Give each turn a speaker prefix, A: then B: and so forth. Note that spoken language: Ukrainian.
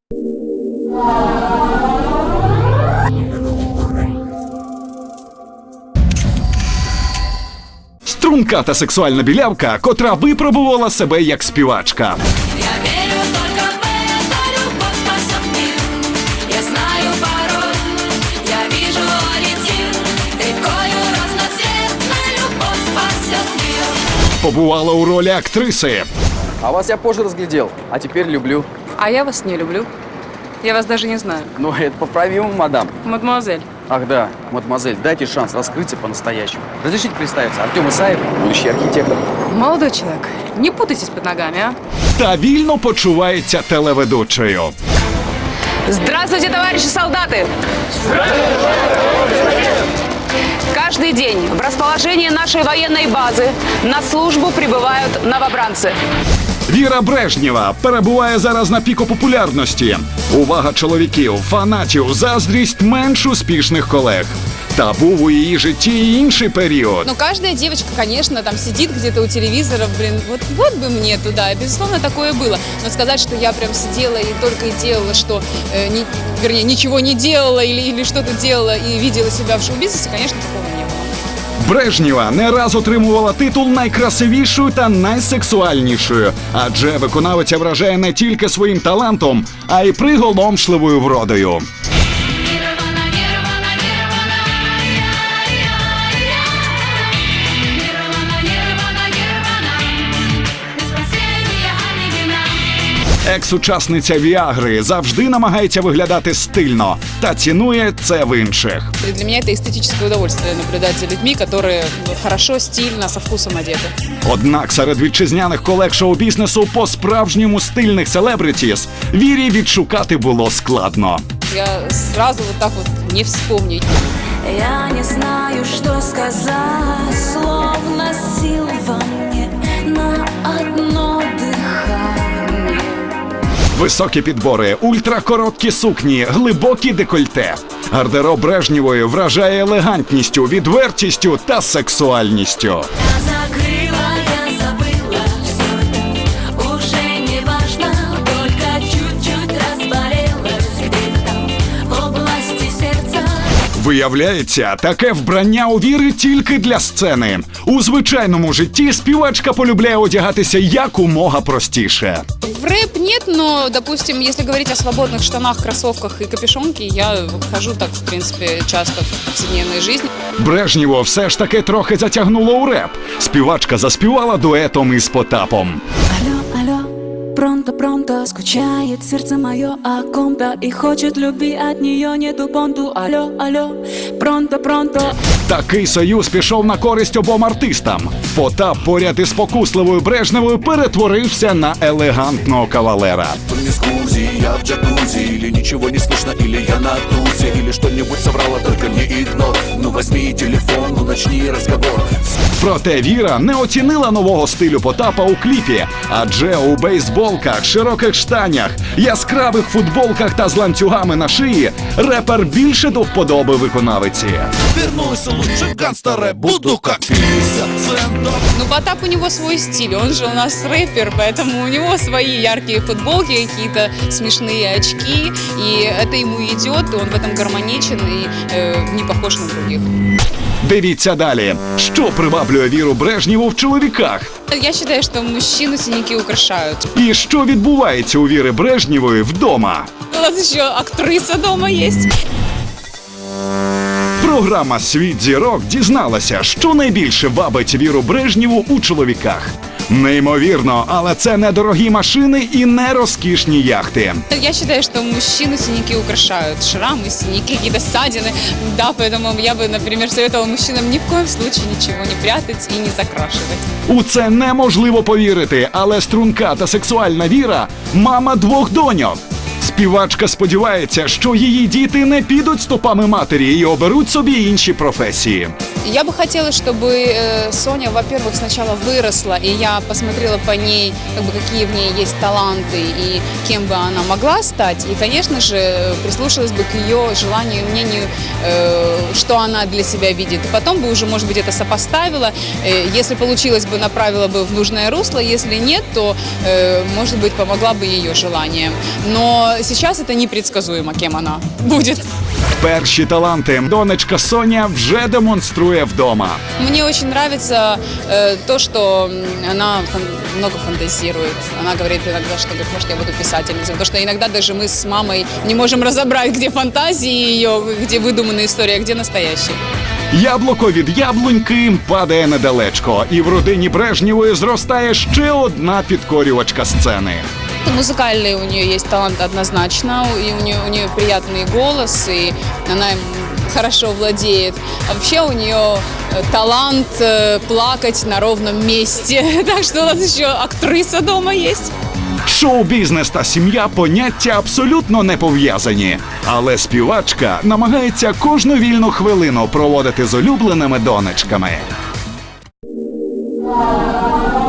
A: Струнка та сексуальна білявка, котра випробувала себе як співачка. Побувала у ролі актриси.
B: А вас я позже разглядел, а теперь люблю.
C: А я вас не люблю. Я вас даже не знаю.
B: Но это поправимо, мадам.
C: Мадемуазель.
B: Ах да, мадемуазель, дайте шанс раскрыться по-настоящему. Разрешите представиться, Артем Исаев, будущий архитектор.
C: Молодой человек, не путайтесь под ногами, а?
A: Та вільно почувається телеведучою.
C: Здравствуйте, товарищи солдаты! Каждый день в расположении нашей военной базы на службу прибывают новобранцы.
A: Віра Брежнєва перебуває зараз на піку популярності. Увага чоловіків, фанатів, заздрість менш успішних колег. Та був у її житті і інший період.
D: Ну, каждая девочка, конечно, там сидит где-то у телевизора, блин, вот бы мне туда. Безусловно, такое было. Но сказать, что я прям сидела и только и делала, что, вернее, ничего не делала или что-то делала и видела себя в шоу-бизнесе, конечно, такого не было.
A: Брежнєва не раз отримувала титул найкрасивішою та найсексуальнішою, адже виконавиця вражає не тільки своїм талантом, а й приголомшливою вродою. Екс-учасниця Віагри завжди намагається виглядати стильно та цінує це в інших.
D: И для меня это эстетическое удовольствие наблюдать за людьми, которые хорошо, стильно, со вкусом одеты.
A: Однак серед вітчизняних колег шоу-бізнесу по-справжньому стильних селебритіс Вірі відшукати було складно.
D: Я сразу вот так вот не вспомню.
E: Я не знаю, что сказать, словно сил во мне на одно дыхание.
A: Високі підбори, ультракороткі сукні, глибокі декольте. Гардероб Брежнєвої вражає елегантністю, відвертістю та сексуальністю.
E: Я закрыла, я забыла всё, уже не важно, только чуть-чуть разболелась где-то там в области сердца.
A: Виявляється, таке вбрання у Віри тільки для сцени. У звичайному житті співачка полюбляє одягатися якомога простіше.
D: В рэп нет, но, допустим, если говорить о свободных штанах, кроссовках и капюшонке, я хожу так, в принципе, часто в повседневной жизни.
A: Брежнєву все ж таки трохи затягнуло у реп. Співачка заспівала дуетом із Потапом.
E: Алло, алло, пронто, скучает сердце мое о ком-то и хочет любви, от нее нету понту. Алло, алло, пронто.
A: Такий союз пішов на користь обом артистам. Потап поряд із спокусливою Брежнєвою перетворився на елегантного кавалера.
F: Я в джакузи, или ничего не слышно, или я на тусе, или что-нибудь соврала, только не игнор. Ну возьми телефон, ну начни разговор.
A: Проте Віра не оцінила нового стилю Потапа у кліпі, адже у бейсболках, широких штанях, яскравих футболках та з ланцюгами на шиї репер більше до вподоби виконавиці.
F: Вернусь лучше гангстера, буду как 50 центов.
D: Ну, Потап, у него свой стиль, он же у нас рэпер, поэтому у него свои яркие футболки, какие-то смешные очки, и это ему идет, и он в этом гармоничен и не похож на других.
A: Дивіться далі. Що приваблює Віру Брежнєву в чоловіках?
D: Я считаю, что мужчину синяки украшают.
A: І що відбувається у Віри Брежнєвої вдома?
D: У нас еще актриса дома есть.
A: Програма «Світ зірок» дізналася, що найбільше вабить Віру Брежнєву у чоловіках. Неймовірно, але це не дорогі машини і не розкішні яхти.
D: Я считаю, что мужчину синяки украшают. Шрамы, синяки, какие-то ссадины. Да, поэтому я бы, например, советовала мужчинам ни в коем случае ничего не прятать и не закрашивать.
A: У це неможливо повірити, але струнка та сексуальна Віра – мама 2 доньок. Співачка сподівається, що її діти не підуть стопами матері і оберуть собі інші професії.
D: Я бы хотела, чтобы Соня, во-первых, сначала выросла, и я посмотрела по ней, как бы, какие в ней есть таланты и кем бы она могла стать. И, конечно же, прислушалась бы к ее желанию и мнению, что она для себя видит. И потом бы уже, может быть, это сопоставила. Если получилось бы, направила бы в нужное русло. Если нет, то, может быть, помогла бы ее желаниям. Но сейчас это непредсказуемо, кем она будет.
A: Перші таланти донечка Соня вже демонструє вдома.
D: Мне очень нравится то, что она много фантазирует. Она говорит иногда, что говорит, может, я буду писательницей. Потому что иногда даже мы с мамой не можем разобрать, где фантазии ее, где выдуманная история, а где настоящая.
A: Яблуко від яблуньки падає недалечко, і в родині Брежнєвої зростає ще одна підкорювачка сцени.
D: Музыкальный у нее есть талант однозначно, и у нее приятный голос, и она им хорошо владеет. А вообще у нее талант плакать на ровном месте. Так что у нас еще актриса дома есть.
A: Шоу-бізнес та сім'я – поняття абсолютно не пов'язані. Але співачка намагається кожну вільну хвилину проводити з улюбленими донечками.